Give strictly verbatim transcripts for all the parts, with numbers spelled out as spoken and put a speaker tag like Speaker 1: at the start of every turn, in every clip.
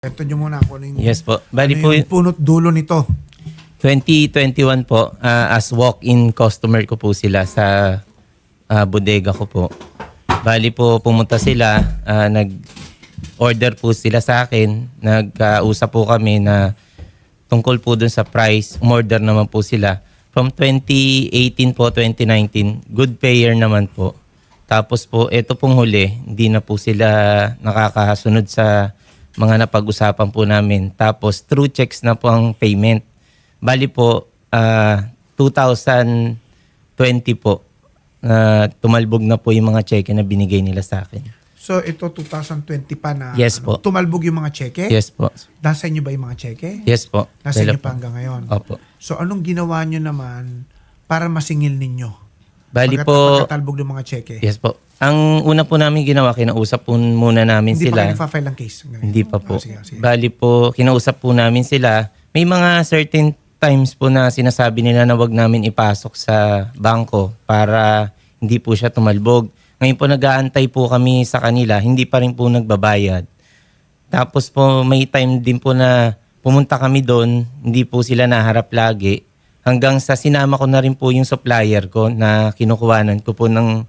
Speaker 1: Ito nyo muna ako yung,
Speaker 2: Yes po. Bali
Speaker 1: ano
Speaker 2: po,
Speaker 1: yung punot dulo nito.
Speaker 2: twenty twenty-one po, ah, as walk-in customer ko po sila sa ah, bodega ko po. Bali po, pumunta sila, ah, nag-order po sila sa akin, nagkausap po kami na tungkol po dun sa price, umorder naman po sila. From twenty eighteen po, twenty nineteen, good payer naman po. Tapos po, ito pong huli, hindi na po sila nakakasunod sa mga napag-usapan po namin. Tapos, through checks na po ang payment. Bali po, uh, two thousand twenty po, uh, tumalbog na po yung mga cheque na binigay nila sa akin.
Speaker 1: So ito two thousand twenty pa na
Speaker 2: Yes
Speaker 1: ano,
Speaker 2: po.
Speaker 1: tumalbog yung mga cheque?
Speaker 2: Yes po.
Speaker 1: Nasa inyo ba yung mga cheque?
Speaker 2: Yes po.
Speaker 1: Nasa
Speaker 2: Dala
Speaker 1: inyo pa hanggang ngayon?
Speaker 2: Opo.
Speaker 1: So anong ginawa nyo naman para masingil ninyo?
Speaker 2: Bali
Speaker 1: Pagkat-
Speaker 2: po,
Speaker 1: Pagkatalbog ng mga cheque?
Speaker 2: yes po. Ang una po namin ginawa, kinausap po muna namin
Speaker 1: Hindi
Speaker 2: sila.
Speaker 1: pa kayo nagpa-file ng case? Ngayon?
Speaker 2: Hindi pa po.
Speaker 1: Ah, sige, sige.
Speaker 2: Bali po, kinausap po namin sila. May mga certain times po na sinasabi nila na wag namin ipasok sa bangko para hindi po siya tumalbog. Ngayon po nag-aantay po kami sa kanila, hindi pa rin po nagbabayad. Tapos po may time din po na pumunta kami doon, hindi po sila naharap lagi. Hanggang sa sinama ko na rin po yung supplier ko na kinukuhanan ko po ng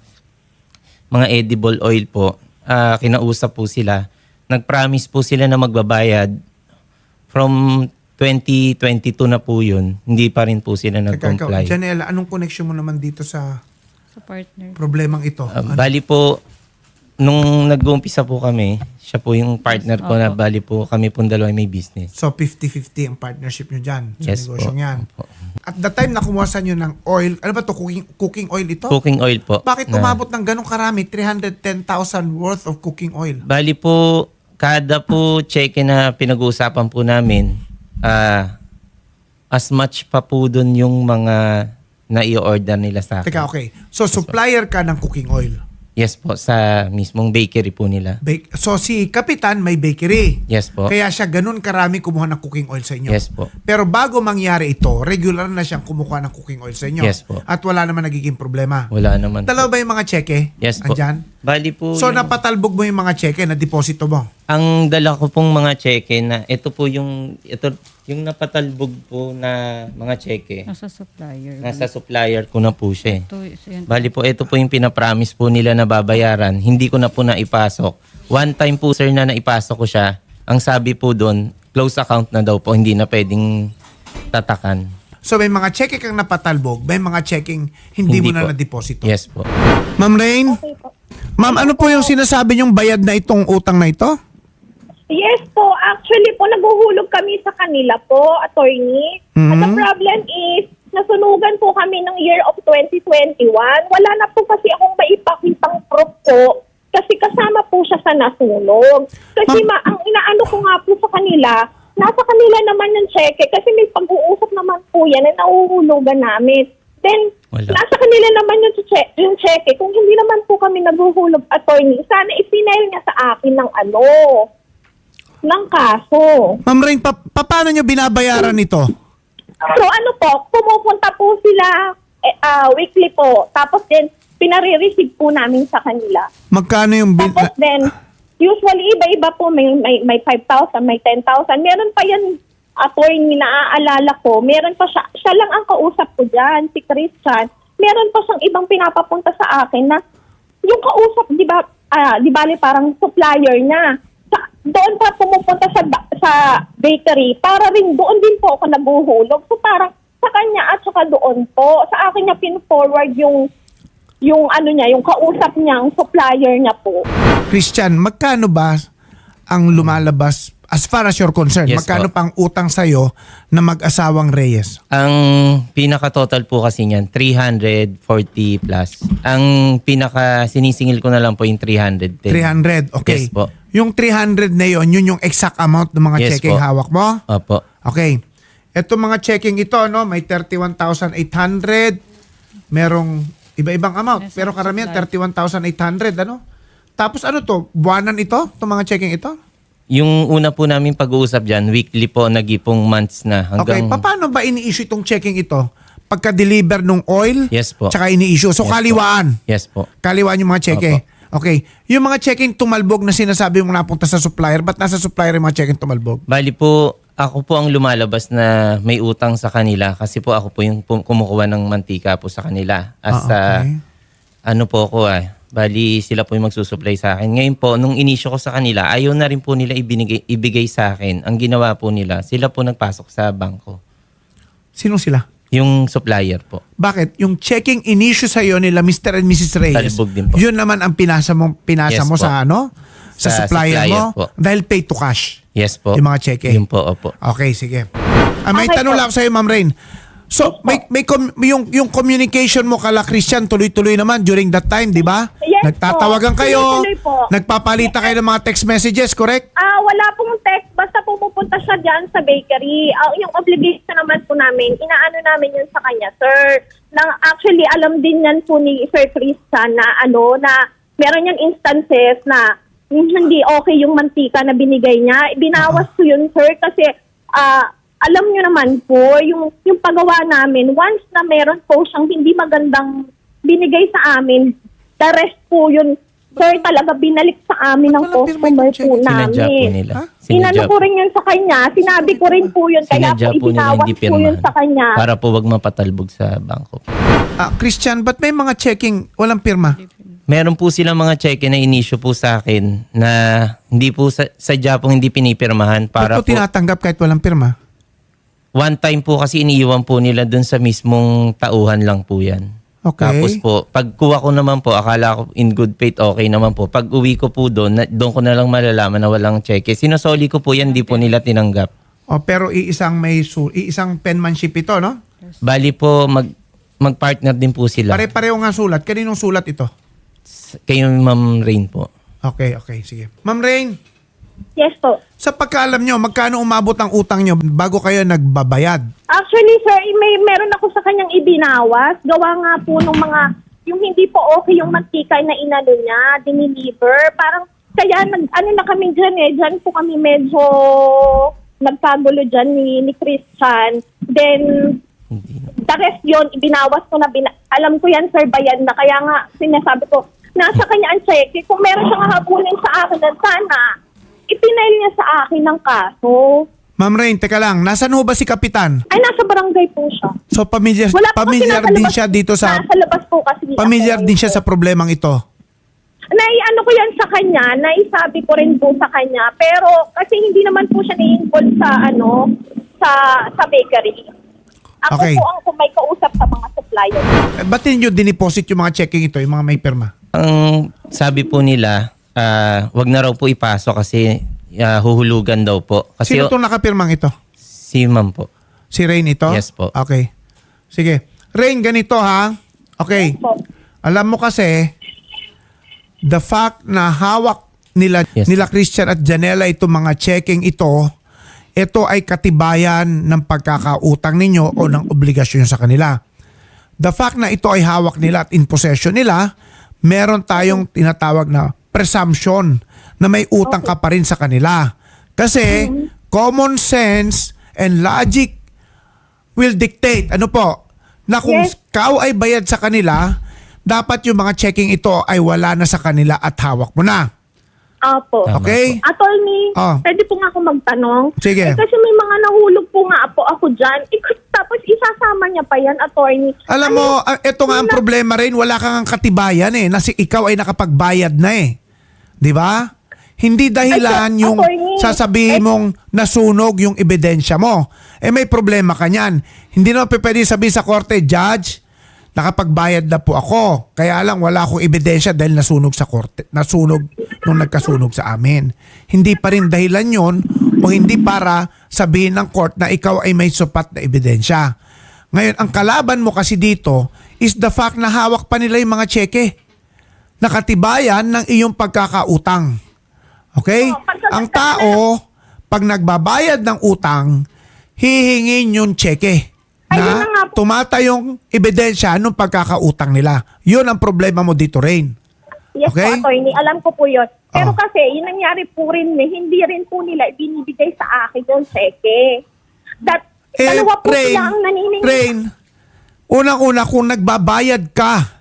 Speaker 2: mga edible oil po. Ah, kinausap po sila. Nag-promise po sila na magbabayad. From twenty twenty-two na po yun, hindi pa rin po sila
Speaker 1: Teka, ikaw,
Speaker 2: nag-comply.
Speaker 1: Janela, anong connection mo naman dito sa
Speaker 3: Sa partner.
Speaker 1: problemang ito?
Speaker 2: Ah,
Speaker 1: Ano?
Speaker 2: bali po, nung nag-uumpisa po kami, siya po yung partner ko na
Speaker 3: Opo.
Speaker 2: bali po kami pong dalawa may business.
Speaker 1: So fifty-fifty ang partnership nyo dyan sa
Speaker 2: Yes po.
Speaker 1: negosyong yan.
Speaker 2: Opo.
Speaker 1: At the time na kumuha sa nyo ng oil, ano ba to cooking, cooking oil ito?
Speaker 2: Cooking oil po.
Speaker 1: Bakit
Speaker 2: na-
Speaker 1: umabot ng ganong karami? three hundred ten thousand worth of cooking oil.
Speaker 2: Bali po, kada po check na pinag-uusapan po namin, ah, as much pa po dun yung mga na-i-order nila sa akin.
Speaker 1: Teka, okay. So, supplier ka ng cooking oil.
Speaker 2: Yes po, sa mismong bakery po nila.
Speaker 1: Bake. So, si Kapitan may bakery.
Speaker 2: Yes po.
Speaker 1: Kaya siya ganun karami kumuha ng cooking oil sa inyo.
Speaker 2: Yes po.
Speaker 1: Pero bago mangyari ito, regular na siyang kumuha ng cooking oil sa inyo.
Speaker 2: Yes po.
Speaker 1: At wala naman nagiging problema.
Speaker 2: Wala naman
Speaker 1: Dalawa
Speaker 2: po.
Speaker 1: ba yung mga cheque?
Speaker 2: Yes po.
Speaker 1: Andyan?
Speaker 2: Bali po,
Speaker 1: So,
Speaker 2: yung-
Speaker 1: napatalbog mo yung mga cheque na deposito mo.
Speaker 2: ang dala ko pong mga cheque na ito po yung ito yung napatalbog po na mga cheque.
Speaker 3: Nasa supplier.
Speaker 2: Nasa supplier ko na po siya. eh.
Speaker 3: Ito, is- yan.
Speaker 2: Bali po, ito po yung pinapromise po nila na babayaran. Hindi ko na po naipasok. One time po, sir, na naipasok ko siya. Ang sabi po doon, close account na daw po. Hindi na pwedeng tatakan.
Speaker 1: So, may mga cheque kang napatalbog, may mga checking hindi, mo
Speaker 2: Hindi
Speaker 1: na
Speaker 2: po.
Speaker 1: na-deposito.
Speaker 2: Yes po.
Speaker 1: Ma'am Rain? Ma'am, ano po yung sinasabi niyong bayad na itong utang na ito?
Speaker 4: Yes po, actually po, naguhulog kami sa kanila po, attorney. At the
Speaker 1: Mhm.
Speaker 4: problem is, nasunugan po kami ng year of twenty twenty-one. Wala na po kasi akong maipakitang proof po kasi kasama po siya sa nasunog. Kasi
Speaker 1: Ma'am-
Speaker 4: ma- ang inaano ko nga po sa kanila, nasa kanila naman yung cheque kasi may pag-uusap naman po yan na nauhulugan namin. Then,
Speaker 2: Wala.
Speaker 4: nasa kanila naman yung, che- yung cheque. Kung hindi naman po kami naguhulog, attorney, sana ipinail niya sa akin ng ano, ng kaso.
Speaker 1: Ma'am Rain, pa- pa- paano niyo binabayaran ito?
Speaker 4: So ano po, pumupunta po sila eh, ah, weekly po. Tapos din, pinare-receive po namin sa kanila.
Speaker 1: Magkano yung bin-
Speaker 4: Tapos then, usually iba-iba po, may, may, may five thousand, may ten thousand. Meron pa yan, attorney, naaalala ko. Meron pa siya, siya lang ang kausap ko dyan, si Christian. Meron pa siyang ibang pinapapunta sa akin na yung kausap, di ba, ah, di bali parang supplier niya. Sa, doon pa pumupunta sa ba- sa bakery para rin doon din po ako nabuhulog. So parang sa kanya at saka doon po, sa akin niya pin-forward yung yung ano niya, yung kausap niya, yung supplier niya po.
Speaker 1: Christian, magkano ba ang lumalabas as far as you're concerned?
Speaker 2: Yes,
Speaker 1: magkano
Speaker 2: po.
Speaker 1: pang utang sa'yo na mag-asawang Reyes?
Speaker 2: Ang pinaka-total po kasi niyan, three hundred forty plus. Ang pinaka-sinisingil ko na lang po yung three hundred ten.
Speaker 1: three hundred, okay.
Speaker 2: Yes po.
Speaker 1: Yung three hundred na yon, yun yung exact amount ng mga
Speaker 2: Yes
Speaker 1: checking
Speaker 2: po.
Speaker 1: hawak mo?
Speaker 2: Opo.
Speaker 1: Okay. Ito mga checking ito, no, may thirty-one thousand eight hundred. Merong iba-ibang amount.
Speaker 3: Yes,
Speaker 1: Pero karamihan,
Speaker 3: supply.
Speaker 1: thirty-one thousand eight hundred, ano? Tapos ano to? Buwanan ito? Itong mga checking ito?
Speaker 2: Yung una po namin pag-uusap dyan, weekly po, nagipong months na.
Speaker 1: Okay.
Speaker 2: Hanggang,
Speaker 1: Pa- Paano ba ini-issue itong checking ito? Pagka-deliver ng oil?
Speaker 2: Yes po.
Speaker 1: Tsaka ini-issue. So,
Speaker 2: Yes po.
Speaker 1: kaliwaan.
Speaker 2: Yes po.
Speaker 1: Kaliwaan yung mga cheque.
Speaker 2: Opo.
Speaker 1: Okay. Yung mga checking tumalbog na sinasabi mong napunta sa supplier, ba't nasa supplier yung mga checking tumalbog?
Speaker 2: Bali po, ako po ang lumalabas na may utang sa kanila kasi po ako po yung pu- kumukuha ng mantika po sa kanila. As
Speaker 1: Ah, okay.
Speaker 2: ah, ano po ako ah, bali sila po yung magsusupply sa akin. Ngayon po, nung inisyo ko sa kanila, ayaw na rin po nila ibinigay, ibigay sa akin. Ang ginawa po nila, sila po nagpasok sa bangko.
Speaker 1: Sino sila?
Speaker 2: Yung supplier po.
Speaker 1: Bakit? Yung checking in-issue sa'yo nila Mister and Missus Reyes,
Speaker 2: Talbog din po.
Speaker 1: yun naman ang pinasa mo, pinasa
Speaker 2: Yes
Speaker 1: mo
Speaker 2: po.
Speaker 1: sa ano? Sa,
Speaker 2: Sa
Speaker 1: supplier,
Speaker 2: supplier
Speaker 1: mo?
Speaker 2: po.
Speaker 1: Dahil pay to cash.
Speaker 2: Yes po.
Speaker 1: Yung mga cheque.
Speaker 2: Yun po, opo.
Speaker 1: Okay, sige. Ah, may
Speaker 4: Okay
Speaker 1: tanong
Speaker 4: po.
Speaker 1: lang sa'yo, Ma'am Rain. So, may, may com- yung, yung communication mo kala Christian, tuloy-tuloy naman during that time, di ba?
Speaker 4: Yes
Speaker 1: Nagtatawagan
Speaker 4: po.
Speaker 1: kayo,
Speaker 4: Tuloy-tuloy po.
Speaker 1: nagpapalita kayo ng mga text messages, correct?
Speaker 4: Ah, wala pong text, basta pumupunta siya diyan sa bakery. Ah, yung obligation naman po namin, inaano namin yun sa kanya, sir. Nang actually alam din yan po ni Sir Christian na ano na meron yan instances na hindi okay yung mantika na binigay niya. Binawas ko yun, sir, kasi ah alam niyo naman po, yung, yung paggawa namin, once na meron po siyang hindi magandang binigay sa amin, the rest po yun, sir, talaga binalik sa amin ng
Speaker 1: Ba't walang pirma
Speaker 4: customer
Speaker 1: yung check?
Speaker 4: po
Speaker 2: Sinadya po
Speaker 4: namin.
Speaker 2: nila.
Speaker 1: Ha?
Speaker 4: Inano
Speaker 2: Sinadya
Speaker 4: ko rin yun sa kanya, sinabi ko rin po yun, kaya
Speaker 2: Sinadya
Speaker 4: po
Speaker 2: po nila
Speaker 4: ibinawas
Speaker 2: hindi
Speaker 4: po yun
Speaker 2: pirmahan.
Speaker 4: sa kanya.
Speaker 2: Para po wag mapatalbog sa bangko.
Speaker 1: Ah, Christian, ba't may mga checking walang pirma?
Speaker 2: Meron po silang mga cheque na inisyo po sa akin na hindi po sa, sadya pong hindi pinipirmahan para
Speaker 1: Ba't mo
Speaker 2: po
Speaker 1: tinatanggap kahit walang pirma?
Speaker 2: one time po kasi iniiwan po nila dun sa mismong tauhan lang po yan.
Speaker 1: Okay.
Speaker 2: Tapos po, pagkuha ko naman po, akala ko in good faith okay naman po. Pag uwi ko po doon, na, doon ko na lang malalaman na walang cheque. Sinosoli ko po yan, di po nila tinanggap.
Speaker 1: O, pero iisang may su- iisang penmanship ito, no?
Speaker 2: Bali po, mag, mag-partner din po sila.
Speaker 1: Pare-pareho nga sulat. Kaninong sulat ito?
Speaker 2: Kayo Ma'am Rain po.
Speaker 1: Okay, okay, sige. Ma'am Rain,
Speaker 4: Yes po.
Speaker 1: sa pagkaalam nyo, magkano umabot ang utang nyo bago kayo nagbabayad?
Speaker 4: Actually, sir, may meron ako sa kanyang ibinawas. Gawa nga po nung mga, yung hindi po okay yung mantika na inano niya, diniliver. Parang, kaya nag, ano na kami dyan eh, dyan po kami medyo nagkagulo dyan ni, ni Christian. Then,
Speaker 2: Hindi na.
Speaker 4: the rest yun, ibinawas ko na, bina- alam ko yan, sir, bayad na. Kaya nga, sinasabi ko, nasa kanya ang check. Kung meron siyang hahabulin sa akin, na sana, ipinail niya sa akin ng kaso.
Speaker 1: Ma'am Rain, teka lang, nasan ho ba si Kapitan?
Speaker 4: Ay, nasa barangay po siya.
Speaker 1: So, pamilyar,
Speaker 4: Wala po kasi
Speaker 1: pamilyar
Speaker 4: nasa
Speaker 1: din
Speaker 4: labas-
Speaker 1: siya dito sa...
Speaker 4: Nasa labas po kasi.
Speaker 1: Pamilyar
Speaker 4: ako.
Speaker 1: din siya sa problemang ito.
Speaker 4: Naiano ko yan sa kanya, naisabi ko rin po sa kanya. Pero kasi hindi naman po siya na-involve sa ano, sa sa bakery. Ako
Speaker 1: Okay.
Speaker 4: po ang may kausap sa mga supplier.
Speaker 1: Eh, ba't ninyo diniposit yung mga checking ito, yung mga may pirma?
Speaker 2: Ang sabi po nila, ah, wag na raw po ipasok kasi ah, huhulugan daw po. Kasi
Speaker 1: Sino itong nakapirmang ito?
Speaker 2: si Ma'am po.
Speaker 1: Si Rain ito?
Speaker 2: Yes po.
Speaker 1: Okay. Sige. Rain, ganito ha. Okay.
Speaker 4: Po.
Speaker 1: Alam mo kasi, the fact na hawak nila,
Speaker 2: Yes.
Speaker 1: nila Christian at Janela itong mga checking ito, ito ay katibayan ng pagkakautang ninyo o ng obligasyon sa kanila. The fact na ito ay hawak nila at in possession nila, meron tayong tinatawag na presumption na may utang ka pa rin sa kanila. Kasi common sense and logic will dictate, ano po, na kung
Speaker 4: Yes.
Speaker 1: ikaw ay bayad sa kanila, dapat yung mga checking ito ay wala na sa kanila at hawak mo na.
Speaker 4: Apo.
Speaker 2: Tama
Speaker 1: Okay?
Speaker 4: Attorney,
Speaker 1: Ah.
Speaker 4: pwede po nga ako magtanong.
Speaker 1: Sige.
Speaker 4: Eh, kasi may mga nahulog po nga po ako dyan. Eh, tapos isasama niya pa yan, attorney.
Speaker 1: Alam mo, ah, ito nga ang
Speaker 4: na-
Speaker 1: problema rin, wala kang katibayan eh, na si ikaw ay nakapagbayad na eh. 'Di ba? Hindi dahilan
Speaker 4: Ay, sir,
Speaker 1: yung
Speaker 4: attorney,
Speaker 1: sasabihin
Speaker 4: eh-
Speaker 1: mong nasunog yung ebidensya mo. Eh may problema ka niyan. Hindi naman pwede sabihin sa korte, Judge, nakapagbayad na po ako. Kaya lang wala akong ebidensya dahil nasunog sa korte. Nasunog nung nagkasunog sa amin. Hindi pa rin dahilan yon o hindi para sabihin ng court na ikaw ay may sapat na ebidensya. Ngayon, ang kalaban mo kasi dito is the fact na hawak pa nila yung mga cheque. Nakatibayan ng iyong pagkakautang. Okay?
Speaker 4: Oh, pagka-
Speaker 1: Ang tao, pag nagbabayad ng utang, hihingin yung cheque
Speaker 4: Ay, yun
Speaker 1: na
Speaker 4: na nga po.
Speaker 1: tumatayong ebidensya ng pagkakautang nila. Yun ang problema mo dito, Rain.
Speaker 4: Yes
Speaker 1: Okay?
Speaker 4: po, attorney. Alam ko po yun. Pero
Speaker 1: Oh.
Speaker 4: kasi, yung nangyari po rin, eh, hindi rin po nila ibinibigay sa akin yung cheque. That,
Speaker 1: Eh,
Speaker 4: dalawa po
Speaker 1: Rain,
Speaker 4: sila ang naniningil.
Speaker 1: Rain, unang-una kung nagbabayad ka,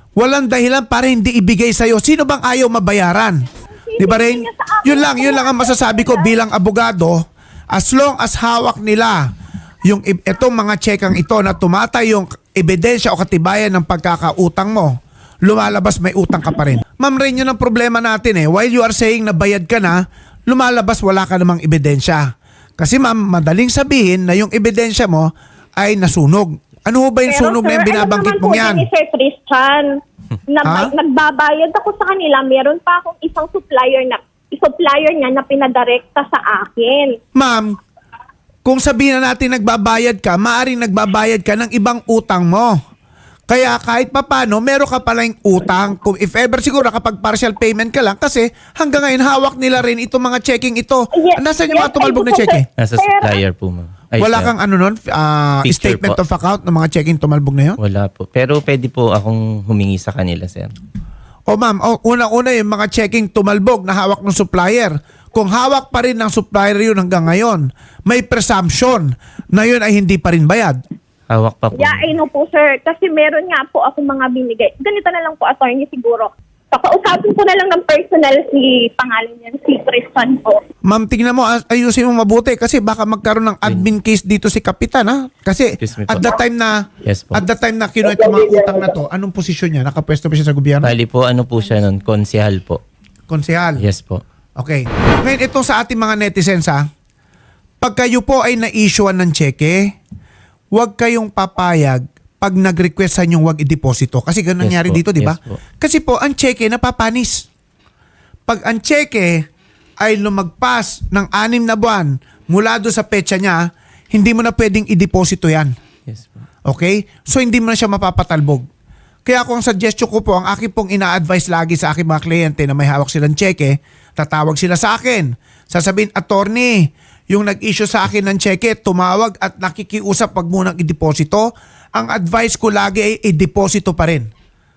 Speaker 1: Walang dahilan para hindi ibigay sa'yo. Sino bang ayaw mabayaran? Di ba rin? Yun lang, yun lang ang masasabi ko bilang abogado. As long as hawak nila yung i- itong mga tsekang ito na tumatay yung ebidensya o katibayan ng pagkakautang mo, lumalabas may utang ka pa rin. Ma'am Rain, yun ang problema natin eh. While you are saying na bayad ka na, lumalabas wala ka namang ebidensya. Kasi ma'am, madaling sabihin na yung ebidensya mo ay nasunog. Ano ho ba yung sunog na yung binabanggit
Speaker 4: alam
Speaker 1: mong
Speaker 4: naman
Speaker 1: yan?
Speaker 4: po ni Sir Christian, na
Speaker 1: Ha?
Speaker 4: nagbabayad ako sa kanila, meron pa akong isang supplier na supplier niya na pinadirekta sa akin.
Speaker 1: Ma'am, kung sabihin na natin nagbabayad ka, maaring nagbabayad ka ng ibang utang mo. Kaya kahit papano, meron ka palang utang. Kung if ever siguro kapag partial payment ka lang, kasi hanggang ngayon hawak nila rin itong mga checking ito.
Speaker 4: Yes,
Speaker 1: Nasaan yung mga
Speaker 4: yes,
Speaker 1: tumalbog na
Speaker 4: ay,
Speaker 1: cheque?
Speaker 2: Nasa
Speaker 4: Sir,
Speaker 2: supplier po, ma'am. Ay,
Speaker 1: Wala
Speaker 2: sir.
Speaker 1: kang ano nun, ah,
Speaker 2: Picture
Speaker 1: statement
Speaker 2: po.
Speaker 1: of account ng mga checking tumalbog na yun?
Speaker 2: Wala po. Pero pwede po akong humingi sa kanila, sir.
Speaker 1: O ma'am, o, unang-una yung mga checking tumalbog na hawak ng supplier. Kung hawak pa rin ng supplier yun hanggang ngayon, may presumption na yun ay hindi pa rin bayad.
Speaker 2: Hawak pa po.
Speaker 4: Yeah, I know po, sir. Kasi meron nga po ako mga binigay. Ganito na lang po, attorney, siguro. Pakausapin ko na lang ng personal si pangalan niya, si Christian po.
Speaker 1: Ma'am, tingnan mo, ay- ayusin mo mabuti kasi baka magkaroon ng admin case dito si Kapitan, ha? Kasi
Speaker 2: Excuse me po.
Speaker 1: at the time na
Speaker 2: Yes po.
Speaker 1: at the time na kinuha itong mga utang na to, anong posisyon niya? Nakapwesto ba siya sa gobyerno?
Speaker 2: Bali po, ano po siya nun? Konsehal po.
Speaker 1: Konsehal.
Speaker 2: Yes po.
Speaker 1: Okay. Ngayon, itong sa ating mga netizens, ha? Pag kayo po ay na-issuean ng cheque, huwag kayong papayag pag nag-request sa inyong huwag i-deposito. Kasi ganun
Speaker 2: Yes
Speaker 1: nangyari
Speaker 2: po.
Speaker 1: dito, di ba?
Speaker 2: Yes po.
Speaker 1: Kasi po, ang cheque napapanis. Pag ang cheque ay lumagpas ng anim na buwan mula doon sa petsa niya, hindi mo na pwedeng i-deposito yan.
Speaker 2: Yes po.
Speaker 1: Okay? So, hindi mo na siya mapapatalbog. Kaya kung suggestion ko po, ang aking pong ina-advise lagi sa aking mga kliyente na may hawak silang cheque, tatawag sila sa akin. Sasabihin, attorney, yung nag-issue sa akin ng cheque, tumawag at nakikiusap pag munang i-deposito. Ang advice ko lagi ay i-deposito pa rin.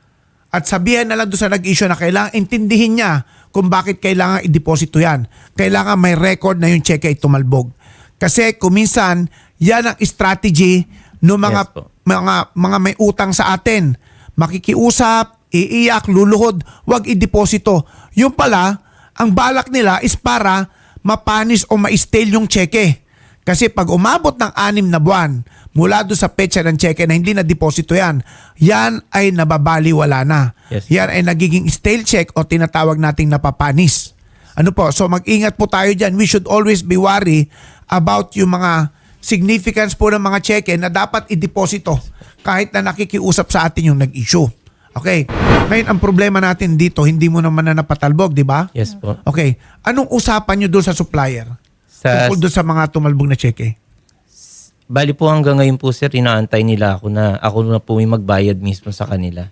Speaker 1: At sabihan na lang doon sa nag-issue na kailangan intindihin niya kung bakit kailangan i-deposito yan. Kailangan may record na yung cheque ay tumalbog. Kasi kuminsan, yan ang strategy ng mga,
Speaker 2: Yes po.
Speaker 1: mga, mga may utang sa atin. Makikiusap, iiyak, luluhod, wag i-deposito. Yung pala, ang balak nila is para mapanis o ma-stale yung cheque. Kasi pag umabot ng anim na buwan mula doon sa petsa ng cheque na hindi na deposito yan, yan ay nababaliwala na.
Speaker 2: Yes.
Speaker 1: Yan ay nagiging stale check o tinatawag nating napapanis. Ano po? So mag-ingat po tayo dyan. We should always be worried about yung mga significance po ng mga cheque na dapat i-deposito kahit na nakikiusap sa atin yung nag-issue. Okay. Ngayon, ang problema natin dito, hindi mo naman na napatalbog, di ba?
Speaker 2: Yes po.
Speaker 1: Okay. Anong usapan nyo doon sa supplier?
Speaker 2: Sa,
Speaker 1: Tungkol doon sa mga tumalbog na cheque?
Speaker 2: bali po hanggang ngayon po, sir, inaantay nila ako na ako na po yung magbayad mismo sa kanila.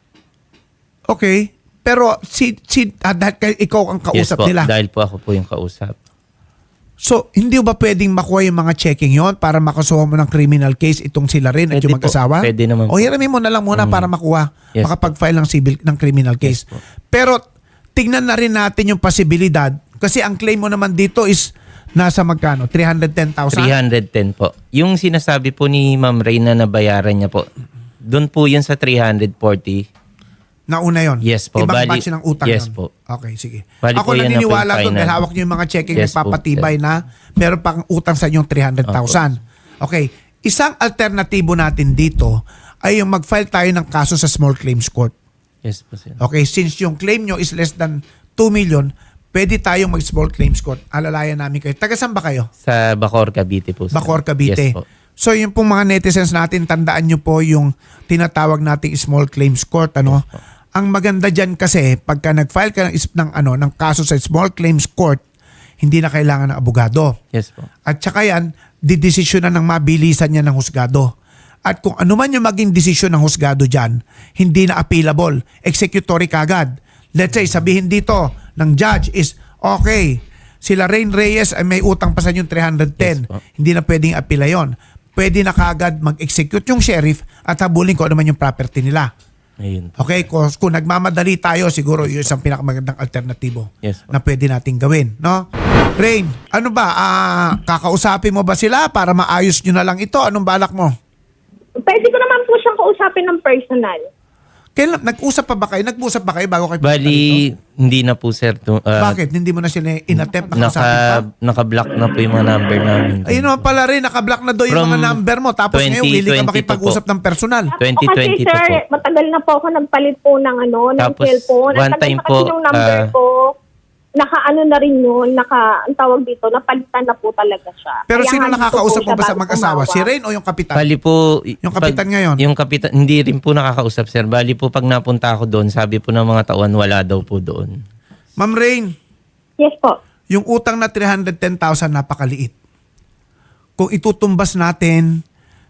Speaker 1: Okay. Pero si, si ah, dahil kay- ikaw ang
Speaker 2: Yes
Speaker 1: kausap
Speaker 2: po,
Speaker 1: nila.
Speaker 2: dahil po ako po yung kausap.
Speaker 1: So, hindi ba pwedeng makuha yung mga checking yon para makasuha mo ng criminal case itong sila rin at
Speaker 2: Pwede
Speaker 1: yung
Speaker 2: po.
Speaker 1: mag-asawa?
Speaker 2: Pwede naman
Speaker 1: O
Speaker 2: po.
Speaker 1: hiramin mo na lang muna
Speaker 2: Mm.
Speaker 1: para makuha,
Speaker 2: Yes
Speaker 1: makapag-file ng civil ng criminal case.
Speaker 2: Yes po.
Speaker 1: Pero tingnan na rin natin yung posibilidad kasi ang claim mo naman dito is nasa magkano? three hundred ten thousand?
Speaker 2: three hundred ten po. Yung sinasabi po ni Ma'am Reyna na bayaran niya po, doon po yun sa three hundred forty.
Speaker 1: Nauna yon.
Speaker 2: Yes po,
Speaker 1: Ibang
Speaker 2: bali-
Speaker 1: batch ng utang
Speaker 2: yes
Speaker 1: yun.
Speaker 2: po.
Speaker 1: Okay, sige.
Speaker 2: Bali
Speaker 1: Ako
Speaker 2: po yan na
Speaker 1: naniniwala
Speaker 2: po yung
Speaker 1: doon dahil
Speaker 2: final.
Speaker 1: hawak niyo yung mga checking
Speaker 2: Yes po,
Speaker 1: nagpapatibay na meron pang utang sa inyong three hundred thousand. Okay. Isang alternatibo natin dito ay yung mag-file tayo ng kaso sa small claims court.
Speaker 2: Yes po, sir.
Speaker 1: Okay, since yung claim nyo is less than two million, pwede tayong mag-small claims court. Alalayan namin kayo. Taga saan ba kayo?
Speaker 2: Sa Bacor, Cavite po, sir.
Speaker 1: Bacor, Cavite.
Speaker 2: Yes po.
Speaker 1: So yung pong mga netizens natin, tandaan nyo po yung tinatawag nating small claims court. Ano? Ang maganda dyan kasi, pagka nag-file ka ng, is- ng, ano, ng kaso sa small claims court, hindi na kailangan ng abogado.
Speaker 2: Yes po.
Speaker 1: At saka yan, didesisyonan ng mabilisan niya ng husgado. At kung ano man yung maging desisyon ng husgado dyan, hindi na appealable. Executory kagad. Let's say, sabihin dito ng judge is, okay, sila Rain Reyes ay may utang pa sa yung three hundred ten.
Speaker 2: Yes po.
Speaker 1: Hindi na pwedeng appeala yun. Pwede na kagad mag-execute yung sheriff at habulin ko ano man yung property nila.
Speaker 2: Ayun po.
Speaker 1: Okay, kung, kung nagmamadali tayo, siguro yun isang pinakamagandang alternatibo
Speaker 2: Yes po.
Speaker 1: na pwede nating gawin, no? Rain, ano ba, ah, kakausapin mo ba sila para maayos nyo na lang ito? Anong balak mo?
Speaker 4: Pwede ko naman po siyang kausapin ng personal.
Speaker 1: Kailan, nag-usap pa ba kayo? Nag-usap ba kayo bago kayo pumunta dito?
Speaker 2: Bali, hindi na po sir. To, ah,
Speaker 1: Bakit? Hindi mo na sila in-attempt na
Speaker 2: Naka,
Speaker 1: kausapin pa?
Speaker 2: naka-block na po yung mga number namin.
Speaker 1: Ayun naman pala rin, nakablock na doon yung
Speaker 2: From
Speaker 1: mga number mo. Tapos ngayon, willing ka
Speaker 2: twenty twenty
Speaker 1: makipag-usap ng personal.
Speaker 2: twenty twenty
Speaker 4: Kasi sir,
Speaker 2: po po.
Speaker 4: matagal na po ako nagpalit po ng ano, ng
Speaker 2: Tapos,
Speaker 4: cellphone. Ang
Speaker 2: one
Speaker 4: tagal
Speaker 2: time
Speaker 4: na kasi
Speaker 2: po,
Speaker 4: yung number
Speaker 2: ah,
Speaker 4: ko, naka-ano na rin yun, naka, ang tawag dito, napalitan na po talaga siya.
Speaker 1: Pero
Speaker 4: Kaya
Speaker 1: sino
Speaker 4: nga dito
Speaker 1: nakakausap
Speaker 4: po
Speaker 1: mo
Speaker 4: siya
Speaker 1: ba sa
Speaker 4: bago
Speaker 1: mag-asawa? Si
Speaker 4: tumawag.
Speaker 1: Rain o yung kapitan?
Speaker 2: Bali po...
Speaker 1: Yung kapitan ngayon?
Speaker 2: Yung kapitan, hindi rin po nakakausap sir. Bali po pag napunta ako doon, sabi po ng mga tauhan, wala daw po doon.
Speaker 1: Ma'am Rain,
Speaker 4: Yes po.
Speaker 1: yung utang na three hundred ten thousand napakaliit. Kung itutumbas natin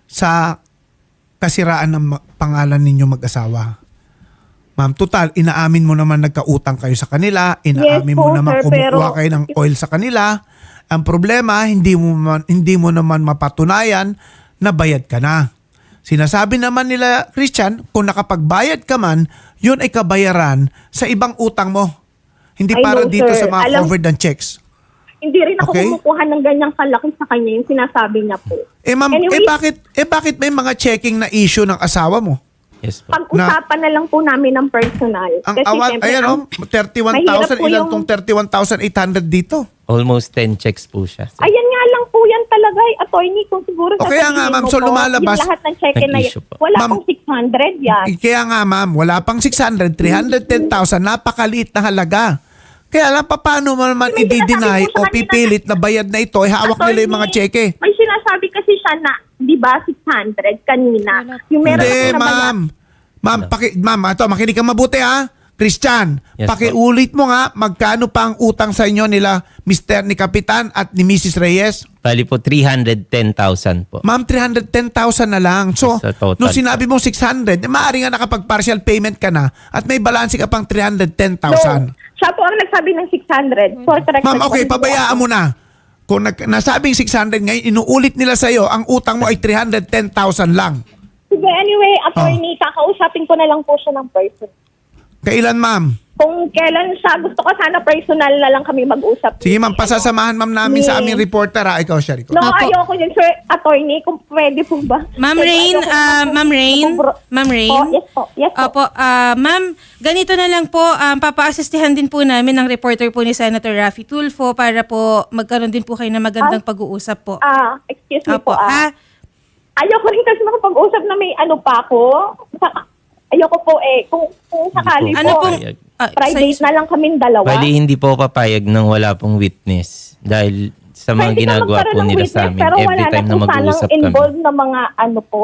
Speaker 1: sa kasiraan ng ma- pangalan ninyo mag-asawa. Ma'am, total, inaamin mo naman nagkautang kayo sa kanila, inaamin
Speaker 4: Yes
Speaker 1: mo
Speaker 4: po,
Speaker 1: naman
Speaker 4: sir,
Speaker 1: kumukuha
Speaker 4: pero-
Speaker 1: kayo ng oil sa kanila. Ang problema, hindi mo, man, hindi mo naman mapatunayan na bayad ka na. Sinasabi naman nila, Christian, kung nakapagbayad ka man, yun ay kabayaran sa ibang utang mo. Hindi
Speaker 4: I
Speaker 1: para
Speaker 4: know,
Speaker 1: dito
Speaker 4: sir.
Speaker 1: sa mga
Speaker 4: Alam-
Speaker 1: covered and checks.
Speaker 4: Hindi rin ako
Speaker 1: Okay.
Speaker 4: kumukuha ng ganyang kalaki sa kanya yung sinasabi niya po.
Speaker 1: Eh ma'am,
Speaker 4: Anyway,
Speaker 1: eh bakit eh bakit may mga checking na issue ng asawa mo?
Speaker 2: Yes po.
Speaker 4: pag-usapan na, lang po namin ng personal.
Speaker 1: Ang
Speaker 4: Kasi
Speaker 1: awan,
Speaker 4: syempre,
Speaker 1: ayan
Speaker 4: ang-
Speaker 1: oh, thirty-one
Speaker 4: mahirap
Speaker 1: thousand,
Speaker 4: po
Speaker 1: ilan
Speaker 4: yung-
Speaker 1: tong thirty-one thousand eight hundred dito?
Speaker 2: Almost ten checks po siya. sir.
Speaker 4: Ayan nga lang po yan talaga, eh, attorney, kung siguro
Speaker 1: O kaya nga,
Speaker 4: sasabihin
Speaker 1: ma'am,
Speaker 4: mo
Speaker 1: so
Speaker 4: po,
Speaker 1: lumalabas-
Speaker 4: yung lahat ng cheque na yan,
Speaker 2: Nag-issue po.
Speaker 4: wala
Speaker 1: Ma'am,
Speaker 4: pong six hundred yan.
Speaker 1: Eh, Kaya nga ma'am, wala pang six hundred, three hundred ten thousand, napakaliit na halaga. Kaya lang, paano mo naman
Speaker 4: May sinasabi
Speaker 1: i-deny
Speaker 4: po
Speaker 1: o
Speaker 4: sa kanila
Speaker 1: pipilit na bayad na ito, eh, hawak nila yung mga
Speaker 4: Attorney,
Speaker 1: cheque?
Speaker 4: May sinasabi kasi siya na, di ba, six hundred kanina.
Speaker 3: Wala.
Speaker 4: Yung meron
Speaker 1: Hindi,
Speaker 4: ako na
Speaker 1: ma'am. Ma'am, paki, ma'am, ito, makinig ka mabuti ha. Christian,
Speaker 2: Yes,
Speaker 1: pakiulit mo nga magkano pa ang utang sa inyo nila Mister ni Kapitan at ni Missus Reyes?
Speaker 2: Bali po three hundred ten thousand po.
Speaker 1: Ma'am, three hundred ten thousand na lang. So,
Speaker 2: Sa total
Speaker 1: nung sinabi mo six hundred, eh, maaari nga nakapag-partial payment ka na at may balance ka pang three hundred ten thousand.
Speaker 4: No, siya po ang nagsabi ng six hundred. For correct
Speaker 1: Ma'am, okay,
Speaker 4: response po
Speaker 1: pabayaan
Speaker 4: ako.
Speaker 1: mo na. Kung nag, nasabing six hundred ngayon, inuulit nila sa'yo, ang utang mo ay three hundred ten thousand lang.
Speaker 4: Sige, anyway,
Speaker 1: Oh.
Speaker 4: attorney, kakausapin ko na lang po siya ng person.
Speaker 1: Kailan, ma'am?
Speaker 4: Kung kailan siya, gusto ko sana personal na lang kami mag-usap.
Speaker 1: Sige, ma'am, pasasamahan ma'am namin sa
Speaker 4: Ni-
Speaker 1: aming reporter ha. Ikaw, Sherry.
Speaker 4: No,
Speaker 3: Opo.
Speaker 4: ayoko yun, sir, attorney, kung pwede po ba?
Speaker 3: Ma'am
Speaker 4: Kasi
Speaker 3: Rain,
Speaker 4: ayoko
Speaker 3: ah,
Speaker 4: naman-
Speaker 3: Ma'am Rain,
Speaker 4: Bro-
Speaker 3: Ma'am Rain.
Speaker 4: Po, yes po, yes po.
Speaker 3: Opo, ah, ma'am, ganito na lang po, um, papa-assistihan din po namin ng reporter po ni Senator Raffy Tulfo para po magkaroon din po kayo ng magandang pag-uusap po.
Speaker 4: Ah, excuse me
Speaker 3: Opo,
Speaker 4: po, ah.
Speaker 3: ha?
Speaker 4: Ayoko rin kasi makapag-usap na may ano pa ako. Saka, ayoko po eh, kung, kung sakali
Speaker 3: Ano
Speaker 4: po,
Speaker 3: pong... ah,
Speaker 4: private
Speaker 3: sa-
Speaker 4: na lang kaming dalawa.
Speaker 2: Bali hindi po papayag ng wala pong witness dahil sa mga
Speaker 4: Pwede ka
Speaker 2: ginagawa
Speaker 4: magkaroon
Speaker 2: po
Speaker 4: ng
Speaker 2: nila
Speaker 4: witness,
Speaker 2: sa amin
Speaker 4: pero
Speaker 2: every
Speaker 4: wala
Speaker 2: time na
Speaker 4: na po
Speaker 2: mag-uusap
Speaker 4: sanang
Speaker 2: kami.
Speaker 4: involved na mga ano po.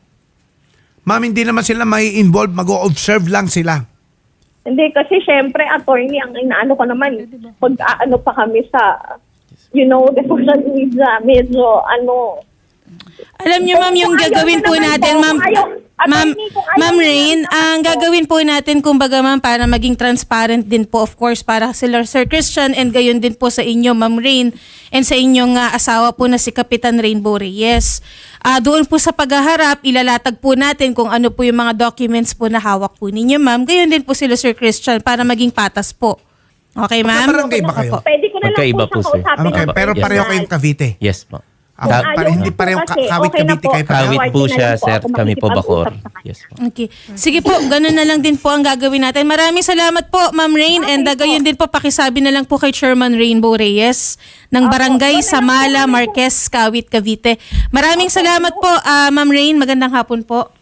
Speaker 1: Ma'am, hindi naman sila may involve, mag-o-observe lang sila.
Speaker 4: Hindi, kasi syempre, attorney, ang inaano ko naman, pag ano pa kami sa, you know, the social media, medyo, ano,
Speaker 3: Alam niyo ma'am, yung
Speaker 4: Kung ayaw
Speaker 3: gagawin
Speaker 4: mo
Speaker 3: po
Speaker 4: naman
Speaker 3: natin,
Speaker 4: po,
Speaker 3: ma'am,
Speaker 4: kung ayaw-
Speaker 3: ma'am,
Speaker 4: attorney, kung ayaw
Speaker 3: ma'am
Speaker 4: mo
Speaker 3: Rain,
Speaker 4: naman
Speaker 3: ang
Speaker 4: po.
Speaker 3: gagawin po natin, kumbaga ma'am, para maging transparent din po, of course, para sila Sir Christian and gayon din po sa inyo, ma'am Rain, and sa inyong ah, asawa po na si Kapitan Rainbow Reyes. Ah, doon po sa paghaharap, ilalatag po natin kung ano po yung mga documents po na hawak po ninyo, ma'am. Gayon din po sila Sir Christian para maging patas po. Okay, ma'am?
Speaker 1: Magkabarangay ba kayo?
Speaker 3: Opo.
Speaker 4: pwede ko na lang
Speaker 2: Magkaiba
Speaker 4: po
Speaker 2: po,
Speaker 4: siyang
Speaker 2: sir.
Speaker 4: kausapin.
Speaker 1: Ah, okay,
Speaker 2: Opo,
Speaker 1: pero
Speaker 2: yes.
Speaker 1: pareho kayong Cavite.
Speaker 2: Yes po.
Speaker 1: Ah,
Speaker 2: Ka-
Speaker 1: para
Speaker 4: ayaw
Speaker 1: hindi
Speaker 4: ko po
Speaker 1: parehong
Speaker 4: kasi,
Speaker 1: ka- kawit
Speaker 4: okay na
Speaker 1: Cavite
Speaker 4: po.
Speaker 1: kayo pareho.
Speaker 2: Kawit po
Speaker 4: Award na
Speaker 2: siya,
Speaker 4: lang po
Speaker 2: sir.
Speaker 4: ako
Speaker 2: Kami po Bacor.
Speaker 4: makikipag-usap sa kanya.
Speaker 2: Yes po.
Speaker 3: Okay. Sige po, ganun na lang din po ang gagawin natin. Maraming salamat po, Ma'am Rain. And uh, gayon din po, pakisabi na lang po kay Chairman Rainbow Reyes ng Barangay
Speaker 4: Opo,
Speaker 3: Samala, Marquez, Kawit, Cavite. Maraming salamat po, ah, Ma'am Rain. Magandang hapon po.